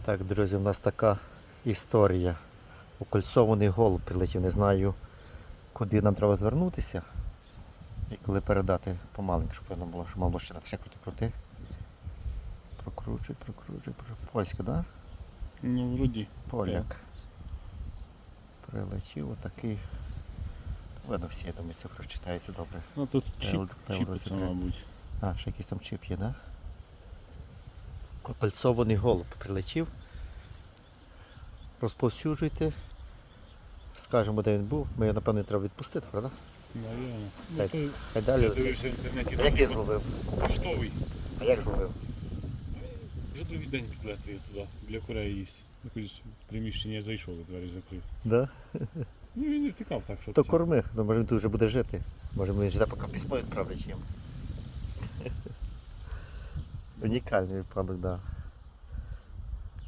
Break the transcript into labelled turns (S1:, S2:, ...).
S1: Так, друзі, у нас така історія. Окольцований голуб прилетів. Не знаю, куди нам треба звернутися. І коли передати помаленьку, щоб воно було, щоб мало ще так ще крути. Прокручуй. Польська, так? Да?
S2: Ну, вроді.
S1: Поляк. Прилетів отакий. Видно всі, я думаю, це прочитається добре.
S2: Ну тут чіп,
S1: L23.
S2: чіпиться, мабуть.
S1: А, ще якийсь там чип є, так? Да? Окольцований голуб прилетів. Розповсюджуйте. Скажемо, де він був. Ми його, напевно, треба відпустити, правда?
S2: Наверно. Ну,
S1: Хай,
S2: той,
S1: хай далі.
S2: я дивився в інтернеті,
S1: А як він зловив?
S2: поштовий.
S1: А як зловив?
S2: Вже другий день підлетує туди, для курей їсть. Якось в приміщення зайшов, і двері закрив.
S1: Да?
S2: Ну він не втікав так, що
S1: То
S2: це.
S1: корми, ну, може він тут вже буде жити. Може він жде, поки письмо відправлять їм. Унікальний випадок, так. Да.